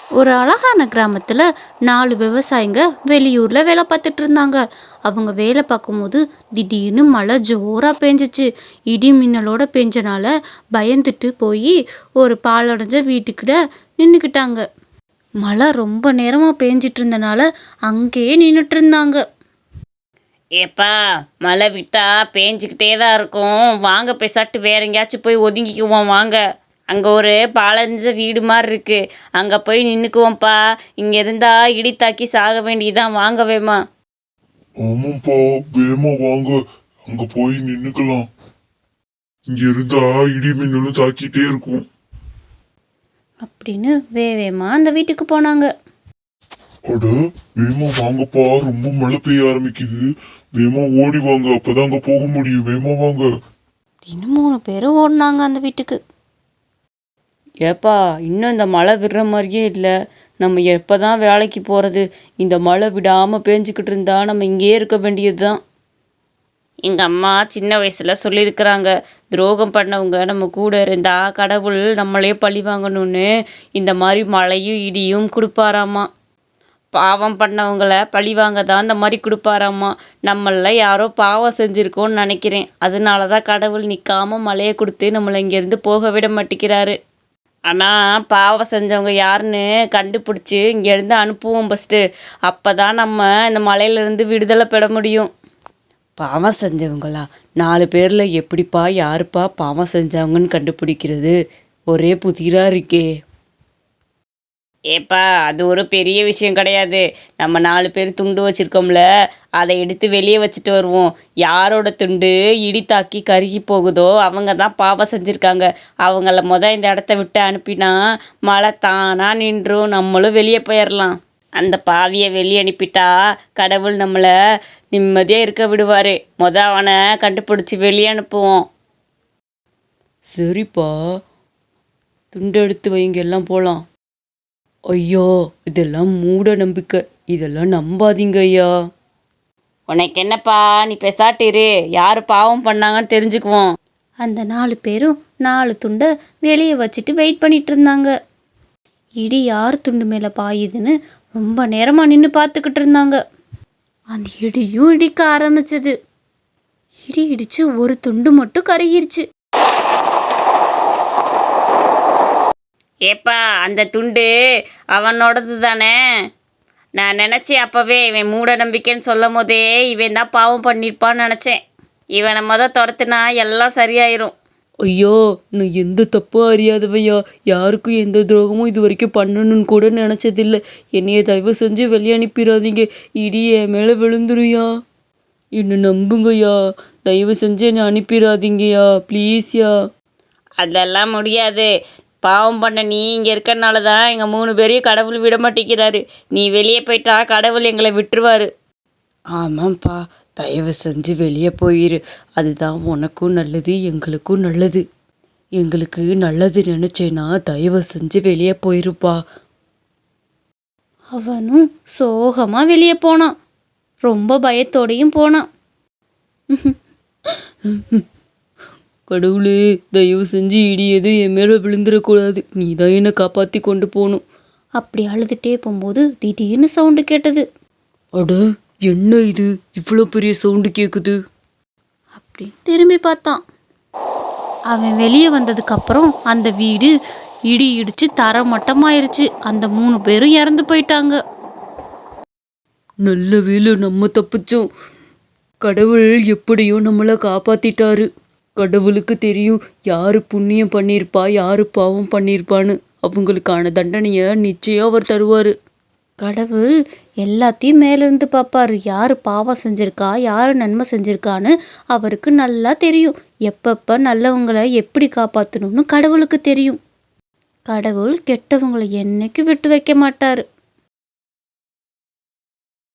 ஒரு அழகான கிராமத்துல 4 விவசாயிங்க வெளியூர்ல வேலை பார்த்துட்டு இருந்தாங்க. அவங்க வேலை பார்க்கும்போது திடீர்னு மழை ஜோரா பெஞ்சுச்சு. இடி மின்னலோட பெஞ்சனால பயந்துட்டு போய் ஒரு பாழடைஞ்ச வீட்டுக்கிட்ட நின்னுக்கிட்டாங்க. மழை ரொம்ப நேரமா பெஞ்சிட்டு இருந்தனால அங்கேயே நின்னுட்டு இருந்தாங்க. ஏப்பா, மழை விட்டா பேஞ்சுக்கிட்டே தான் இருக்கும். வாங்க பேசாட்டு வேற எங்கேயாச்சும் போய் ஒதுங்கிக்குவோம் வாங்க. அங்கே ஒரு பாழஞ்ச வீடு மாதிரி இருக்கு. அங்கே போய் நின்றுக்குவோம்ப்பா. இங்கே இருந்தா இடி தாக்கி சாக வேண்டியதான். வாங்க வேமா. ஆமாப்பா, வேமா வாங்க, அங்க போய் நின்னுக்கலாம். இங்க இருந்தா இடி மின்னலும் தாக்கிட்டே இருக்கும் அப்படின்னு வேவேமா அந்த வீட்டுக்கு போனாங்க. அட, வேமா வாங்கப்பா, ரொம்ப மழை பெய்ய ஆரம்பிக்குது. வேமா ஓடி வாங்க, அப்பதான் அங்க போக முடியும். வேமா வாங்க. இன்னும் 3 பேரும் ஓடினாங்க அந்த வீட்டுக்கு. ஏப்பா, இன்னும் இந்த மழை விடுற மாதிரியே இல்லை. நம்ம எப்போதான் வேலைக்கு போகிறது? இந்த மழை விடாமல் பேஞ்சுக்கிட்டு இருந்தா நம்ம இங்கேயே இருக்க வேண்டியது தான். எங்கள் அம்மா சின்ன வயசில் சொல்லியிருக்கிறாங்க, துரோகம் பண்ணவங்க நம்ம கூட இருந்தா கடவுள் நம்மளே பழி வாங்கணும்னு இந்த மாதிரி மழையும் இடியும் கொடுப்பாராமா. பாவம் பண்ணவங்கள பழி வாங்க தான் இந்த மாதிரி கொடுப்பாராமா. நம்மள யாரோ பாவம் செஞ்சுருக்கோன்னு நினைக்கிறேன். அதனால தான் கடவுள் நிற்காம மழையை கொடுத்து நம்மளை இங்கேருந்து போக விட மாட்டேங்கிறாரு. ஆனால் பாவம் செஞ்சவங்க யாருன்னு கண்டுபிடிச்சி இங்கேருந்து அனுப்புவோம் ஃபஸ்ட்டு. அப்போ தான் நம்ம இந்த மலையிலேருந்து விடுதலை பெற முடியும். பாவம் செஞ்சவங்களா? 4 பேரில் எப்படிப்பா யாருப்பா பாவம் செஞ்சவங்கன்னு கண்டுபிடிக்கிறது? ஒரே புதிராக இருக்கே. ஏப்பா, அது ஒரு பெரிய விஷயம் கிடையாது. நம்ம 4 பேர் துண்டு வச்சிருக்கோம்ல, அதை எடுத்து வெளியே வச்சுட்டு வருவோம். யாரோட துண்டு இடி தாக்கி கருகி போகுதோ அவங்க தான் பாவம் செஞ்சுருக்காங்க. அவங்கள இந்த இடத்த விட்டு அனுப்பினா மழை தானா நின்றும், நம்மளும் வெளியே போயிடலாம். அந்த பாவியை வெளியே அனுப்பிட்டா கடவுள் நம்மளை நிம்மதியாக இருக்க விடுவார். அவனை கண்டுபிடிச்சி வெளியே அனுப்புவோம். சரிப்பா, துண்டு எடுத்து வைங்க, எல்லாம் போகலாம். ஐயோ, இதெல்லாம் மூட நம்பிக்கை. இதெல்லாம் நம்பாதீங்க ஐயா. உனக்கு என்னப்பா, நீ பெசாட்டிரு. யாரு பாவம் பண்ணாங்கன்னு தெரிஞ்சுக்குவோம். அந்த 4 பேரும் 4 துண்டை வெளியே வச்சுட்டு வெயிட் பண்ணிட்டு இருந்தாங்க. இடி யார் துண்டு மேல பாயுதுன்னு ரொம்ப நேரமா நின்று பார்த்துக்கிட்டு இருந்தாங்க. அந்த இடியும் இடிக்க ஆரம்பிச்சது. இடி இடிச்சு ஒரு துண்டு மட்டும் கருகிருச்சு. ஏப்பா, அந்த துண்டு அவனோடது தானே? நான் நினச்சேன் அப்போவே, இவன் மூட நம்பிக்கைன்னு சொல்லும் போதே இவன் தான் பாவம் பண்ணியிருப்பான்னு நினச்சேன். இவனை துரத்துனா எல்லாம் சரியாயிரும். ஐயோ, நான் எந்த தப்பும் அறியாதவையா. யாருக்கும் எந்த துரோகமும் இது வரைக்கும் பண்ணணும்னு கூட நினச்சதில்லை. என்னைய தயவு செஞ்சு வெளியே அனுப்பிடாதீங்க. இடி என் மேலே விழுந்துருயா. என்னை நம்புங்கய்யா. தயவு செஞ்சு என்னை அனுப்பிடாதீங்கய்யா, ப்ளீஸ்யா. அதெல்லாம் முடியாது. பாவம் பண்ண நீ இங்கே இருக்கிறனால தான் எங்கள் 3 பேரையும் கடவுள் விட மாட்டேங்கிறாரு. நீ வெளியே போயிட்டா கடவுள் எங்களை விட்டுருவாரு. ஆமாம்ப்பா, தயவு செஞ்சு வெளியே போயிரு. அதுதான் உனக்கும் நல்லது, எங்களுக்கும் நல்லது. எங்களுக்கு நல்லது நினைச்சேன்னா தயவு செஞ்சு வெளியே போயிருப்பா. அவனும் சோகமா வெளியே போனான். ரொம்ப பயத்தோடையும் போனான். கடவுளே, தயவு செஞ்சு இடி எதுவும் என் மேலே விழுந்துடக்கூடாது. நீ தான் என்னை காப்பாற்றி கொண்டு போகணும். அப்படி அழுதுட்டே போகும்போது திடீர்னு சவுண்டு கேட்டது. அட, என்ன இது, இவ்வளோ பெரிய சவுண்டு கேட்குது? அப்படி திரும்பி பார்த்தான். அவன் வெளியே வந்ததுக்கு அப்புறம் அந்த வீடு இடி இடிச்சு தர மட்டமாயிருச்சு. அந்த 3 பேரும் இறந்து போயிட்டாங்க. நல்ல வேளை நம்ம தப்பிச்சோம். கடவுள் எப்படியோ நம்மளை காப்பாத்திட்டாரு. கடவுளுக்கு தெரியும் யாரு புண்ணியம் பண்ணியிருப்பா, யாரு பாவம் பண்ணியிருப்பான்னு. அவங்களுக்கான தண்டனையை நிச்சயம் அவர் தருவாரு. கடவுள் எல்லாத்தையும் மேலிருந்து பார்ப்பாரு. யாரு பாவம் செஞ்சிருக்கா, யாரு நன்மை செஞ்சிருக்கான்னு அவருக்கு நல்லா தெரியும். எப்பப்ப நல்லவங்களை எப்படி காப்பாற்றணும்னு கடவுளுக்கு தெரியும். கடவுள் கெட்டவங்களை என்னைக்கு விட்டு வைக்க மாட்டாரு.